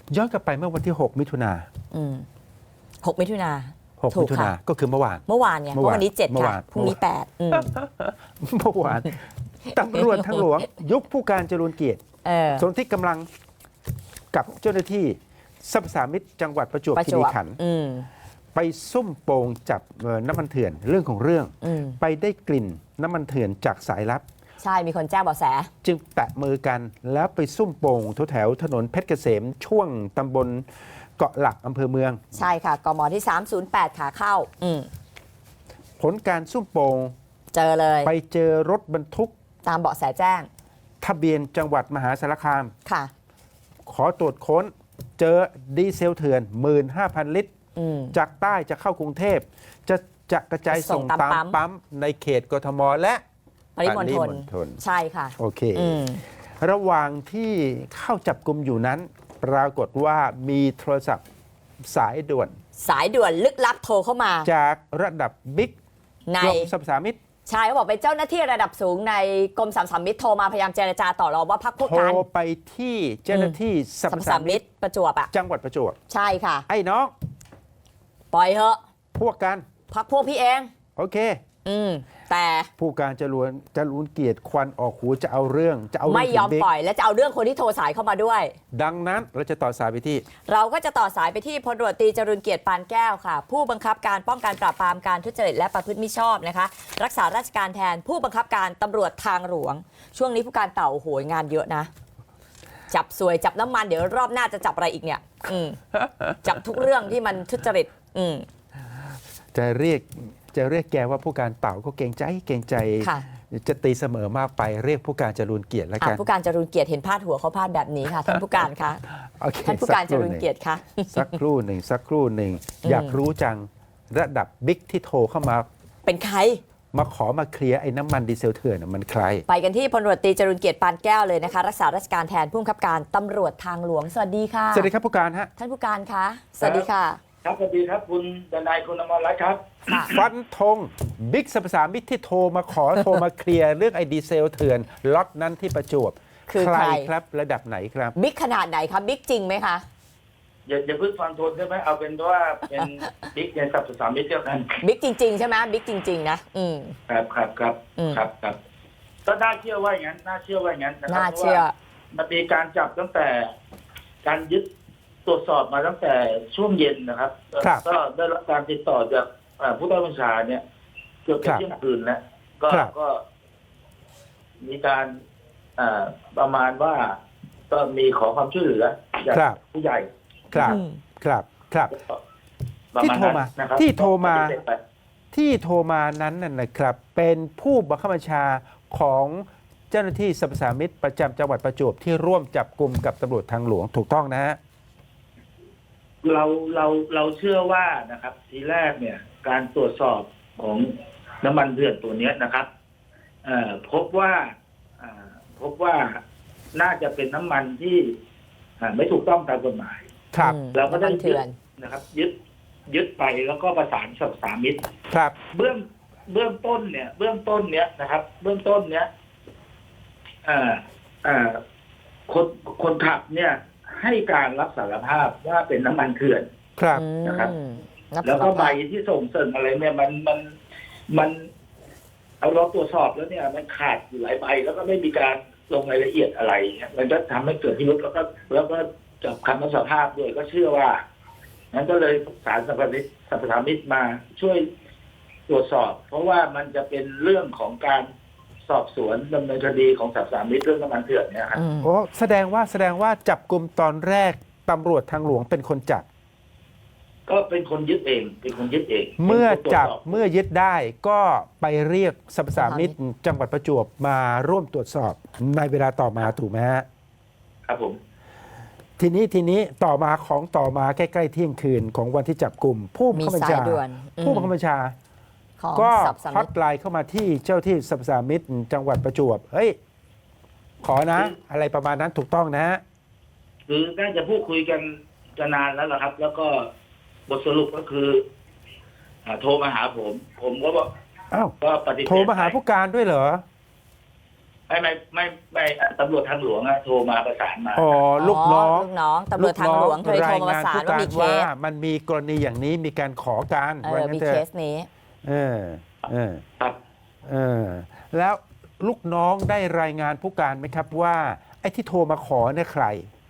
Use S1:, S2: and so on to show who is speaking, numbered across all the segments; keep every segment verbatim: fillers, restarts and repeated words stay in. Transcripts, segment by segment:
S1: ย้อนกลับไปเมื่อวันที่หกมิถุนา
S2: อืมหกมิถุนา
S1: หกมิถุนาก็คือเมื่อวาน
S2: เมื่อวานเนี่ย
S1: เมื่
S2: เมื่
S1: อวาน
S2: อวันนี้เจ็ด
S1: เมื่อ
S2: ค่ะ
S1: วาน
S2: พรุ่งนี้แปดอืม
S1: เมื่อวานตำรวจทางหลวงยุคผู้การจรูญเกียรติ
S2: เออ
S1: สนที่กำลังกับเจ้าหน้าที่สรรพสามิตจังหวัดประจวบ
S2: ประ
S1: คี
S2: จ
S1: รี
S2: วบ
S1: ขันธ์
S2: อืม
S1: ไปซุ่มโปงจับเอ่อน้ำมันเถื่อนเรื่องของเรื่อง
S2: อืม
S1: ไปได้กลิ่นน้ำมันเถื่อนจากสายลับ
S2: ใช่มีคนแจ้งเบาะแส
S1: จึงแตะมือกันแล้วไปซุ่มโป่งแถวๆถนนเพชรเกษมช่วงตำบลเกาะหลักอำเภอเมือง
S2: ใช่ค่ะกมที่สามศูนย์แปดขาเข้า อืม
S1: ผลการซุ่มโป่ง
S2: เจอเลย
S1: ไปเจอรถบรรทุก
S2: ตามเบาะแสแจ้ง
S1: ทะเบียนจังหวัดมหาสารคาม
S2: ค่ะ
S1: ขอตรวจค้นเจอดีเซลเถื่อน หนึ่งหมื่นห้าพัน ลิตร
S2: อืม
S1: จากใต้จะเข้ากรุงเทพ จะจะกระจาย
S2: ส่
S1: ส่ง
S2: งตาม
S1: ตาม
S2: ปั๊ม
S1: ปั๊มในเขตกทมและ
S2: ปริมณฑล
S1: ปริมณฑล
S2: ใช่ค่ะ
S1: โอเค
S2: อืม
S1: ระหว่างที่เข้าจับกลุ่มอยู่นั้น ปรากฏว่ามีโทรศัพท์สายด่วน
S2: สายด่วนลึกลับโทรเข้ามา
S1: จากระดับบิ๊ก
S2: ใน
S1: กรมสรรพสามิต
S2: ใช่เขาบอกเป็นเจ้าหน้าที่ระดับสูงในกรมสรรพสามิตโทรมาพยายามเจรจาต่อรองว่าพักพวก
S1: โทร
S2: กัน
S1: ไปที่เจ้าหน้าที่สร
S2: สร
S1: ร
S2: ร
S1: พ
S2: พ
S1: สา
S2: สา
S1: มิ
S2: มิ
S1: ต
S2: ตประจวบอ่ะ
S1: จังหวัดประจวบ
S2: ใช่ค่ะ
S1: ไอ้น้อง
S2: ปล่อยเหอะ
S1: พวกกัน
S2: พักพวกพี่เอง
S1: โอเค
S2: อืม แต่
S1: ผู้การจรวนจรูญเกียรติควันออกหูจะเอาเรื่องจะเอาเรื่
S2: ไม่
S1: อง
S2: ยอม
S1: ถึงบิ๊ก
S2: ปล่อยและจะเอาเรื่องคนที่โทรสายเข้ามาด้วย
S1: ดังนั้นเราจะต่อสายไปที่
S2: เราก็จะต่อสายไปที่พลตำรวจตรีจรูญเกียรติปานแก้วค่ะ ผู้บังคับการป้องกันปราบปรามการทุจริตและประพฤติมิชอบนะคะ รักษาราชการแทนผู้บังคับการตำรวจทางหลวง ช่วงนี้ผู้การเต่าโหยงานเยอะนะ จับสวยจับน้ำมันเดี๋ยวรอบหน้าจะจับอะไรอีกเนี่ย อืม จับทุกเรื่องที่มันทุจริต อืม
S1: จะเรียกจะเรียกแกว่าผู้การเต่าก็เกรงใจเกรงใจ
S2: ค่ะ
S1: จะตีเสมอมากไปเรียกผู้การจรูญเกียรติแล้ว
S2: อ่ะ
S1: กัน
S2: ผู้การจรูญเกียรติเห็นพาดหัวเขาพาดแบบนี้ค่ะท่านผู้การคะ
S1: โอเค
S2: ท่านผู้การจรูญเกียรติคะ
S1: สักครู่หนึ่งสักครู่หนึ่ง
S2: อืม
S1: อยากรู้จังระดับบิ๊กที่โทรเข้ามา
S2: เป็นใคร
S1: มาขอมาเคลียร์ไอ้น้ำมันดีเซลเถื่อนน่ะมันใคร
S2: ไปกันที่พลตำรวจตรีจรูญเกียรติปานแก้วเลยนะคะ รักษาราชการแทนผู้บังคับการตำรวจทางหลวงสวัสดีค่ะ
S1: สวัสดีครับผู้การฮะ
S2: ท่านผู้การคะสวัสดีค่ะ
S3: ครับสวัสดีครับคุณดนายคุณอมรรัตน์ครับ
S2: ค่ะ
S1: ฟันธงบิ๊กสรรพสามิตที่โทรมาขอ โทรมาเคลียร์เรื่องไอ้ดีเซลเถื่อนล็อตนั้นที่ประจวบ
S2: คือใคร
S1: ครับระดับไหนครับ
S2: บิ๊กขนาดไหนคะบิ๊กจริงไหมคะ
S3: อย่าอย่าเพิ่งฟังโทนได้ไหมเอาเป็นว่าเป็นบิ๊กในสับสามมิตรเดียวกัน
S2: บิ๊กจริง ๆ ใช่ไหมบิ๊กจริง ๆ นะอืม
S3: ครับครับครับ
S2: อืม
S3: ครับครับก็น่าเชื่อว่าอย่างนั้นน่าเชื่อว่าอย่างนั้นนะครั
S2: น่า
S3: พระ
S2: เชื่อ
S3: ว่มันมีการจับตั้งแต่การยึดตรวจสอบมาตั้งแต่ช่วงเย็นนะครับ
S1: ครับ
S3: ก็ได้รับการติดต่อจากเอ่อผู้ใต้บัญชาเนี่ยเกือบจะเที่ยงคืนแล้วก็
S1: ครับ
S3: ก็ มีการเอ่อประมาณว่า ก็มีขอความช่วยเหลือจาก
S1: ครับ
S3: ผู้ใหญ่
S1: ครับ
S2: อืม
S1: ครับครับ
S3: ประ
S1: ที่
S3: มาณ
S1: โทร
S3: นั้น
S1: มา
S3: นะครับ
S1: ที่โทรมา
S3: ก็ปฏิเสธไป
S1: ที่โทรมานั้นน่ะนะครับ เป็นผู้บังคับบัญชาของเจ้าหน้าที่สรรพสามิตประจำจังหวัดประจวบที่ร่วมจับกลุ่มกับตำรวจทางหลวงถูกต้องนะฮะ
S3: เราเราเราเชื่อว่านะครับ ทีแรกเนี่ย การตรวจสอบของน้ำมันเถื่อนตัวเนี้ยนะครับเอ่อพบว่าอ่าพบว่าน่าจะเป็นน้ำมันที่อ่าไม่ถูกต้องตามกฎหมาย
S1: ครับ
S2: อืม
S3: เราก็ได้
S2: น้ำมันเถื่อน
S3: นะครับ ยึดยึดไปแล้วก็ประสานกับสามิต
S1: ครับ
S3: เบื้องเบื้องต้นเนี่ย เบื้องต้นเนี้ยนะครับ เบื้องต้นเนี้ยเอ่อเอ่อคนคนขับเนี่ย ให้การรับสารภาพว่าเป็นน้ำมันเถื่อน
S1: ครับ
S2: อืม
S3: นะครับ
S2: รับ
S3: แล้วก็
S2: สาร
S3: ใบ
S2: ภาพ
S3: ที่ส่งเสริมอะไรเนี่ยมันมันมันเอาเราตรวจสอบแล้วเนี่ย มันขาดอยู่หลายใบแล้วก็ไม่มีการลงรายละเอียดอะไรเนี่ยมันก็ทำให้เกิดพิรุธแล้วก็แล้วก็จับคำรับสารภาพด้วยก็เชื่อว่านั้นก็เลยสารสัมพันธ์สัมปทามิตมาช่วยตรวจสอบ เพราะว่ามันจะเป็นเรื่องของการสอบสวนดำเนินคดีของสัมปทามิตเรื่องน้ำมันเถื่อนเนี่ยครับ
S2: อืม
S1: โอ้แสดงว่าแสดงว่าจับกลุ่มตอนแรกตำรวจทางหลวงเป็นคนจับ
S3: ก็เป็นคนยึดเอง เป็นคนยึดเอง
S1: เมื่อจับ
S3: ป็นคนตรวจสอ
S1: เมื่อยึดได้ก็ไปเรียกสรรพสามิตจังหวัดประจวบมาร่วมตรวจสอบในเวลาต่อมาถูกไหมฮะ
S3: ครับผม
S1: ทีนี้ทีนี้ต่อมาของต่อมาใกล้ๆเที่ยงคืนของวันที่จับกลุ่ม ผู้บัง
S2: มี
S1: คับบัญ
S2: สาย
S1: ชา
S2: ด่วนอืม
S1: ผู้บังคับบัญชา
S2: ของ
S1: ก็
S2: สับสา
S1: ฮอ
S2: มิ
S1: ต
S2: ต
S1: ไลน์เข้ามาที่เจ้าที่สรรพสามิตจังหวัดประจวบเฮ้ยขอนะ อะไรประมาณนั้นถูกต้องนะฮะ
S3: คือน่าจะพูดคุยกันจะนานแล้วล่ะครับ แล้วก็บทสรุปก็คืออ่าโทรมาหาผม ผมก็บอก
S1: อ้าว
S3: ก็ปฏิเสธ
S1: โทรมาหาผู้การด้วยเหรอ
S3: ไม่ไม่ไม่ไม่ตำรวจทางหลวงอะโทรมาประสานมา
S1: อ๋อลูกน้อง
S2: ลูกน้องตำรวจทางหลวงเคยโทรมาประสานว่ามีเค
S1: ว่า
S2: ส
S1: มันมีกรณีอย่างนี้มีการขอการ
S2: เอ
S1: ว่า
S2: อ
S1: งั้
S2: มี
S1: นเถ
S2: เค
S1: อะ
S2: สนี้
S1: เออเออ
S3: ครับ
S1: เออแล้วลูกน้องได้รายงานผู้การไหมครับว่าไอ้ที่โทรมาขอเนี่ยใคร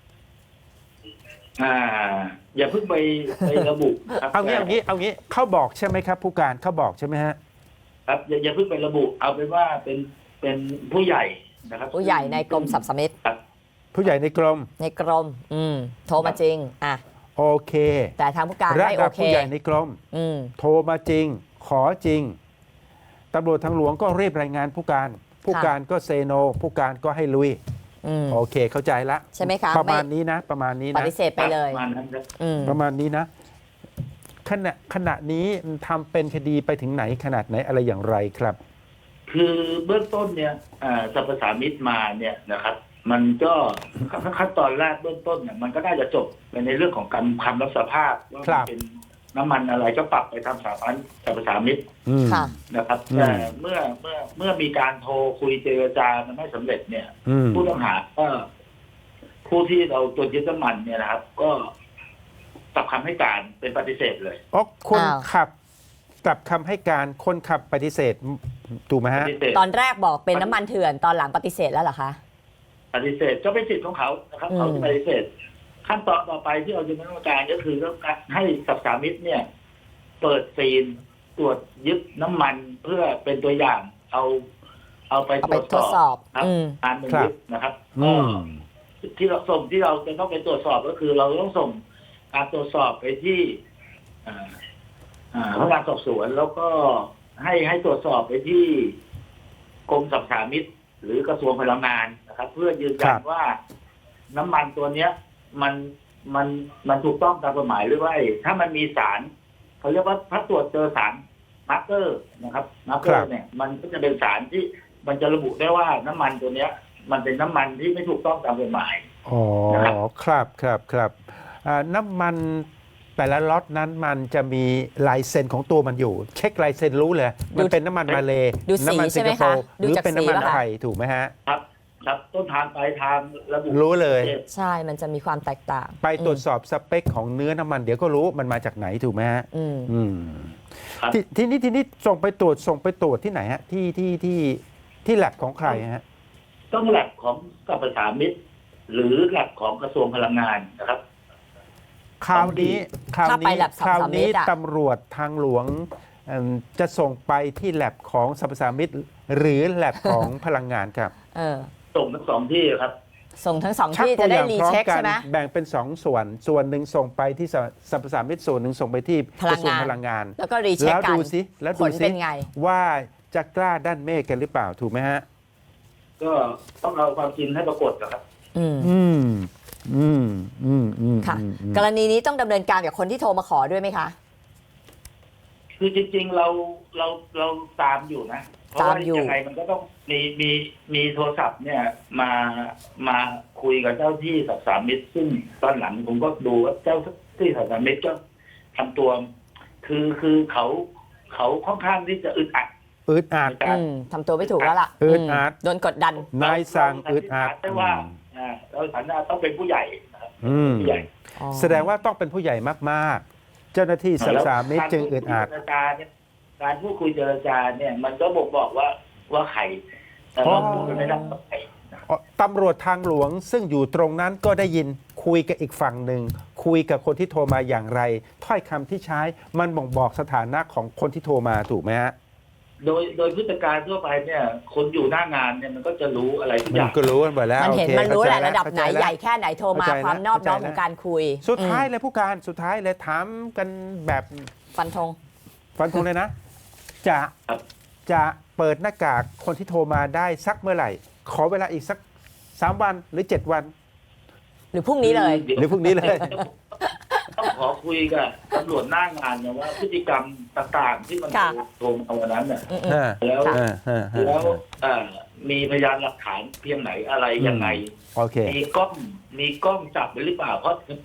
S3: อ่า อย่าเพิ่งไปไประบุครับ
S1: เอางี้เอางี้เอางี้เขาบอกใช่ไหมครับผู้การเขาบอกใช่ไหมฮะ
S3: ครับอย่าอย่าเพิ่งไประบุ เอาเป็นว่าเป็นเป็นผู้ใหญ่นะครับ
S2: ผู้ใหญ่ในกรมสรรพสามิต
S3: ครับ
S1: ผู้ใหญ่ในกรม
S2: ในกรม อืมโทรมาจริงอ่ะ
S1: โอเค
S2: แต่ทางผู้การ
S1: ระ
S2: ไม่โอ
S1: ดับ
S2: เค
S1: ผู้ใหญ่ในกรม
S2: อืม
S1: โทรมาจริง ขอจริงตำรวจทางหลวงก็รีบรายงานผู้การ ผู้การก็เซโน ผู้การก็ให้ลุย
S2: อืม
S1: โอเคเข้าใจละ
S2: ใช่ไหมคะ
S1: ประมาณ
S2: ไ
S1: นี้นะ ประมาณนี้
S2: ป
S1: นะ
S2: ฏิเสธไปเลย
S3: ประมาณนั้นครับ
S2: อืม
S1: ประมาณนี้นะ ขณะขณะนี้ทำเป็นคดีไปถึงไหนขนาดไหนอะไรอย่างไรครับ
S3: คือเบื้องต้นเนี่ยอ่าสรรพสามิตมาเนี่ยนะครับ มันก็ขั้นตอนแรกเบื้องต้นเนี่ยมันก็น่าจะจบไปในเรื่องของการคำรับสารภาพว่า
S1: ครั
S3: มัน
S1: บ
S3: เป็นน้ำมันอะไรก็ปรับไปทำสาพันสรรพสามิต
S1: อืม
S2: ค่ะ
S3: นะครับ
S1: อืม
S3: แต่เมื่อเมื่อเมื่อมีการโทรคุยเจรจามันไม่สำเร็จเนี่ย
S1: อืม
S3: ผู้ต้องหาก็ผู้ที่เราตรวจยึดน้ำมันเนี่ยนะครับ ก็กลับคำให้การเป็นปฏิเสธเลย
S1: อ๋อคน
S2: อ้าว
S1: ขับกลับคำให้การคนขับปฏิเสธถูกไหม
S3: ป
S1: ฮะ
S3: ฏิเสธ
S2: ตอนแรกบอกเป็นน้ำมันเถื่อนตอนหลังปฏิเสธแล้วเหรอคะ
S3: ปฏิเสธก็เป็นสิทธิ์ของเขานะครับ
S2: อืม
S3: เขาจะปฏิเสธ ขั้นตอนต่อไปที่เราจะดำเนินการก็คือต้องให้สับสามิตเนี่ย เปิดซีนตรวจยึดน้ำมันเพื่อเป็นตัวอย่าง เอาเอาไป
S2: เอา
S3: ต
S2: ไป
S3: รวจ
S2: ทด
S3: ส
S2: ส
S3: อ
S2: อ
S3: บบ ครับ
S2: อืม
S3: การเป็นยึดนะครับ
S1: อื
S3: ก็
S1: ม
S3: ที่เราส่งที่เราจะต้องไปตรวจสอบก็คือ เราต้องส่งการตรวจสอบไปที่อ่าอ่าพนักงานสอบสวนแล้วก็ให้ให้ตรวจสอบไปที่กรมสรรพสามิตหรือกระทรวงพลังงานนะครับ เพื่อยืนยั
S1: ครั
S3: น
S1: บ
S3: ว่าน้ำมันตัวเนี้ย มันมันมันถูกต้องตามกฎหมายหรือไม่ถ้ามันมีสารเขาเรียกว่าถ้าตรวจเจอสารมาร์เกอร์นะครับมาร์เกอร์เนี่ย มันก็จะเป็นสารที่มันจะระบุได้ว่าน้ำมันตัวเนี้ย มันเป็นน้ำมันที่ไม่ถูกต้องตามกฎหมาย
S1: อ๋อ
S3: นะครับ
S1: ครับครับครับอ่าน้ำมันแต่ละล็อตนั้นมันจะมีลายเซ็นของตัวมันอยู่ เช็คลายเซ็นรู้เลย มันเป็นน้ำมันมาเล
S2: ดูสี
S1: น้ำมั
S2: ใช่
S1: สิง
S2: ไหม
S1: คโป
S2: คะ
S1: ร์ห
S2: ดู
S1: รือ
S2: จาก
S1: เป็น
S2: สี
S1: น้ำมัน
S2: ป่ะคะ
S1: ไทยถูกไหมฮะ
S3: ครับ ครับต้นทางปลายทางระบุ
S1: รู้เลย
S2: ใช่มันจะมีความแตกต่าง
S1: ไปตรวจสอบสเปคของเนื้อน้ำมันเดี๋ยวก็รู้มันมาจากไหนถูกไหมฮะ
S2: อืม
S1: อืม
S3: ครับ
S1: ททีนี้ทีนี้ส่งไปตรวจส่งไปตรวจที่ไหนฮะที่ที่ที่ที่แลบของใครฮะ
S3: ต้องแลบของสรรพสามิตหรือแลบของกระทรวงพลังงานนะครับ
S1: คราวนี้คราว
S2: ถ้าไป
S1: นี้
S2: แลบ
S1: คราวนี้
S2: สรรพสามิตอะ
S1: ตำรวจทางหลวงเอิ่มจะส่งไปที่แลบของสรรพสามิตหรือแลบของ พลังงานครับ
S2: เออ
S3: ส่งทั้งสองที่ครับ
S2: ส่งทั้งสอง
S1: ชัก
S2: ที่
S1: ตั
S2: จะ
S1: วอ
S2: ได้
S1: ย่าง
S2: รี
S1: พร้อม
S2: เช็ค
S1: กั
S2: ใช่ไหม
S1: แบ่งเป็นสองส่วน ส่วนหนึ่งส่งไปที่สสรรพสามิตส่วนหนึ่งส่งไปที่
S2: พ
S1: ก
S2: ลั
S1: ระ
S2: ง
S1: ทรวง
S2: งาน
S1: พลังงาน
S2: แล้วก็รีเช็ค
S1: แล้ว
S2: กัน
S1: ดูสิแล้ว
S2: ผ
S1: ดู
S2: ล
S1: สิ
S2: เป็นไง
S1: ว่าจะกล้าด้านเมฆกันหรือเปล่าถูกไหมฮะ
S3: ก็ต้องเอาความจริงให้ปรากฏนะครับ
S2: อืม
S1: อืมอืมอืมอืม
S2: ค่ะ
S1: อืมอืม
S2: กรณีนี้ต้องดำเนินการกับคนที่โทรมาขอด้วยไหมคะ
S3: คือจริง ๆ เราเราเราตามอยู่นะ เพราะ
S2: ตา
S3: ว่าม
S2: อยู่
S3: ยังไงมันก็ต้องมีมีมีโทรศัพท์เนี่ย มามาคุยกับเจ้าที่สรรพสามิตซึ่งตอนหลังผมก็ดูว่าเจ้าที่สรรพสามิตก็ทำตัว คือคือเขาเขาค่อนข้างที่จะอึดอัด
S1: อึดอัด
S3: ในการ
S2: อืมทำตัวไม่ถูกแล้วล่ะ
S1: อึดอัด
S2: มโดนกดดัน
S1: นายสั่งอึดอัด
S3: ได้ว่าอ่าเราฐานะต้องเป็นผู้ใหญ่นะครับ
S1: อืม
S3: ผู้ใหญ่
S1: แสดงว่าต้องเป็นผู้ใหญ่มากๆ เจ้าหน้าที่สรรพสามิตจึงอึดอัด
S3: การพูดคุยเจรจาเนี่ย มันก็บอกบอกว่าว่าใครแต่เราพูดกันไม่ได้ว่าใครนะครับ
S1: อ๋อตำรวจทางหลวงซึ่งอยู่ตรงนั้นก็ได้ยินคุยกับอีกฝั่งหนึ่งคุยกับคนที่โทรมาอย่างไร ถ้อยคำที่ใช้มันบ่งบอกสถานะของคนที่โทรมาถูกไหมฮะ
S3: โดยโดยพฤติการทั่วไปเนี่ย คนอยู่หน้างานเนี่ยมันก็จะรู้อะไรทุกอ
S1: มัน
S3: ย่าง
S1: ก็รู้กันหมดแล้ว
S2: มันเห็น
S1: โอค
S2: มันรู้แหละ
S1: เข้าใจ
S2: ระดับไหน
S1: เข้าจ
S2: ใหญ่แค่ไหนโทรมา
S1: เข้าใจแล้ว
S2: ความนอบน้อม
S1: เข้าใจแล้ว
S2: ของการคุย
S1: สุดท้าย
S2: อืม
S1: เลยผู้การสุดท้ายเลยถามกันแบบ
S2: ฟันธง
S1: ฟันธงเลยนะ จะ
S3: ครับ
S1: จะเปิดหน้ากากคนที่โทรมาได้สักเมื่อไหร่ ขอเวลาอีกสักสามวันหรือเจ็ดวัน
S2: หรือพรุ่งนี้เลย
S1: หรือพรุ่งนี้เลย
S3: ต้องขอคุยกับตำรวจหน้างานเนี่ยว่าพฤติกรรมต่างๆ ที่มัน
S2: ค่ะ
S3: โทรมาวันนั้นเนี่ย
S2: อืม
S1: อ่า
S3: แล้ว
S1: อ่าอ่าอ่า
S3: แล้วเอ่อมีพยานหลักฐานเพียงไหนอะไรยังไง
S1: โอเค
S3: มีกล้องมีกล้องจับไว้หรือเปล่าเพราะ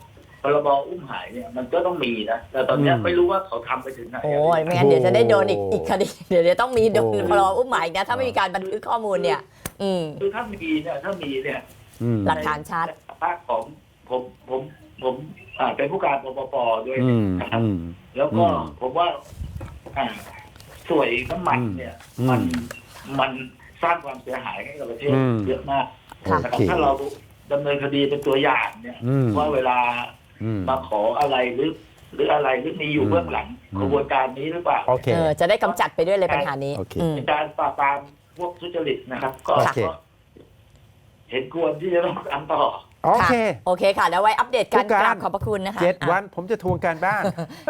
S3: พรบอุ้มหายเนี่ยมันก็ต้องมีนะแต่ตอนเนี้ย
S1: อืม
S3: ไม่รู้ว่าเขาทำไปถึงไหน
S2: โอ้ยไม่งั้นเดี๋ยวจะได้โดนอีก
S1: โอ้
S2: อีกคดีเดี๋ยวเดี๋ยวต้องมีโดน
S1: โอ้
S2: พรบอุ้มหมายอีกนะถ้าไม่มีการบันทึกข้อมูลเนี่ย อืม
S3: คือถ้ามีเนี่ยถ้ามีเนี่ย
S1: อืม
S2: หลักฐานชัด
S3: ภาคของผมผมผมอ่าเป็นผู้การปปปด้วย
S1: อืม
S3: นะครับ
S1: อืม
S3: แล้วก็
S1: อืม
S3: ผมว่าอ่าสวยน้ำมันเนี่ย
S1: อืม
S3: มันมันสร้างความเสียหายให้กับประเทศ
S1: อืม
S3: เยอะมาก
S2: ค่ะ
S3: นะครับ
S1: โอเค
S3: ถ้าเราดำเนินคดีเป็นตัวอย่างเนี่ย
S1: อืม
S3: ว่าเวลา
S1: อืม
S3: มาขออะไรหรือ หรืออะไรหรือมีอยู่เบื้องหลัง
S1: อืม
S3: กระบวนการนี้หรือเปล่า
S1: โอเค
S2: เออจะได้กำจัดไปด้วยเลยปัญหานี้
S1: โอเค
S2: อืม
S3: ในการปราบปรามพวกทุจริตนะครับ ก็
S1: โอเค
S3: ก็เห็นควรที่จะต้องทำต่อ
S1: โอเค
S2: โอเคค่ะแล้วไว้อัปเดตกัน
S1: ผู้การ
S2: กราบขอบพระคุณนะคะ
S1: เจ็ด
S2: อ่ะ
S1: วันผมจะทวงการบ้าน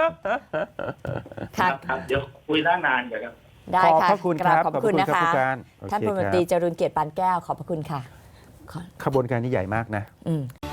S2: ค่ะ
S3: ครับ เดี๋ยวคุยหน้างานกันครับ
S2: ได้
S1: ขอบ
S2: ค่ะ
S1: พระคุณ
S2: ก
S1: ค
S2: รา
S1: รั
S2: บบ ขอบพระคุณนะ
S1: ขอบ
S2: คะ
S1: ผู้การโอเค
S2: ท่านพลตำรวจ
S1: ครับ
S2: ตรีจรุนเกียรติปานแก้วขอบพระคุณค่ะขอ
S1: ขบวนการนี้ใหญ่มากนะ
S2: อืม